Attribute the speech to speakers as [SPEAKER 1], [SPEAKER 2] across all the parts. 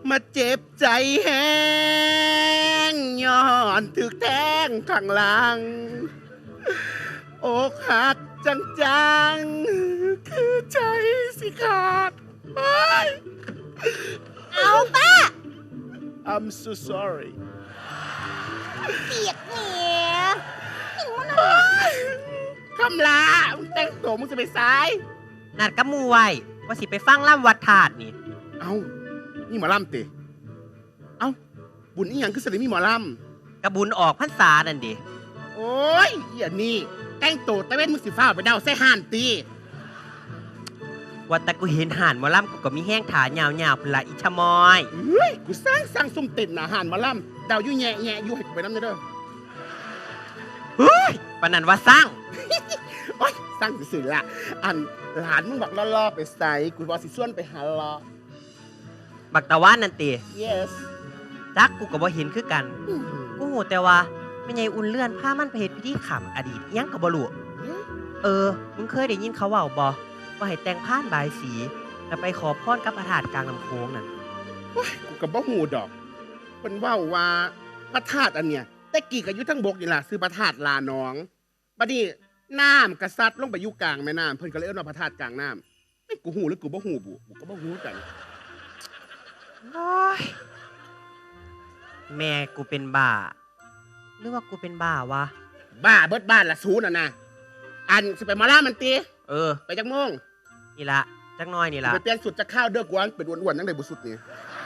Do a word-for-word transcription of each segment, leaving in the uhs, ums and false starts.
[SPEAKER 1] มาเจ็บใจแห้งย้อนถึกแทงข้างหลังอกหักจังจังคือใจสิขาดเฮ้ย
[SPEAKER 2] เอาป้า
[SPEAKER 1] I'm so sorry
[SPEAKER 2] เปียกเหนียหิวนะ
[SPEAKER 1] คำลามึงแต่งตัวมึงจะไปซ้าย
[SPEAKER 3] นัดกับหมู่ไว้ว่าสิไปฟังล่ำวัดธาตุนี่
[SPEAKER 1] เอ้านี่หมอลำติเอ้าบุญอีหยังคือสลิมีหมอล
[SPEAKER 3] กระบุญออกพรรษานั่นดิ
[SPEAKER 1] ำโอ้ยอย่านี่แต่งตัวตะเวนมึงสิฟ้าไปเดาใส่ห่านตี
[SPEAKER 3] ว่าแต่กูเห็นห่านหมอล่ำกูก็มีแห้งขายาวๆพนละอิชะมอย
[SPEAKER 1] เฮ้ยกูสร้างสร้างซุ่มติดหนาห่านหมอลำเดาอยู่แง่แง่อยู่ให้กูไปน้ำเด้อ
[SPEAKER 3] เฮ้ยปานนันว่าสร้าง
[SPEAKER 1] โอ้ยสร้างสื่อๆละอันหลานมึงบอกล่อๆไปใส่กูบอกสิส่วนไปหาล้อ
[SPEAKER 3] บักตะวันนั่นติ
[SPEAKER 1] yes
[SPEAKER 3] จักกูก็บ่เห็นคือกัน กูหูแต่ว่าไม่ใช่อุ่นเลื่อนผ้ามันไปเฮ็ดพิธีขำอดีตอิหยังก็บ่รู้เออ มึงเคยได้ยินเขาเว้าบ่ว่าให้แต่งผ้านบายสี แล้วไปขอพรกับพระธาตุกลางลำโพงนั่น
[SPEAKER 1] โอ้ยกูกับบ่หูดอกเพิ่นเว้าว่าพระธาตุอันเนี้ยแต่กี่ก็อยู่ทั้งบกนี่ล่ะซื้อพระธาตุลาน้องบัดนี้น้ำกระซัดลงไปอยู่กลางแม่น้ำเพิ่นก็เลยเอิ้นว่าพระธาตุกลางน้ำไม่กูหูหรือกูบ่หูบุกูก็บ่หูกัน
[SPEAKER 3] โอ้ยแม่กูเป็นบ้า หรือว่ากูเป็นบ้าวะ
[SPEAKER 1] บ้าเบิดบ้านละศูนย์น่ะนะอันสิไปหมาล่ามันตี
[SPEAKER 3] เออ
[SPEAKER 1] ไปจักโมง
[SPEAKER 3] นี่ละจักหน้อยนี่ละ
[SPEAKER 1] ไปเปลี่ยนสุดจะข้าวเด้อกวนเป็นอ้วนๆจังได๋บ่สุดนี่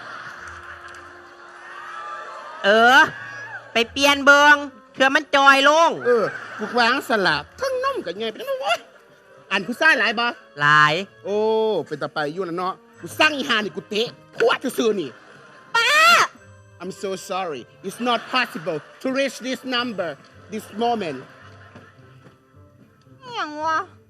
[SPEAKER 3] เออ ไปเปลี่ยนเบิงเพื่อมันจอยลง
[SPEAKER 1] เออกูวางสลับทั้งนมกับไงเป็นจังโอ้ยอันผู้ชายหลายบ่
[SPEAKER 3] หลาย
[SPEAKER 1] โอ้เป็นตาไปอยู่น่ะเนาะกูสั่งอีหานี่กูเตะพวดซื่อๆนี่ I'm so sorry it's not possible to reach this number this moment
[SPEAKER 2] อย่างวะ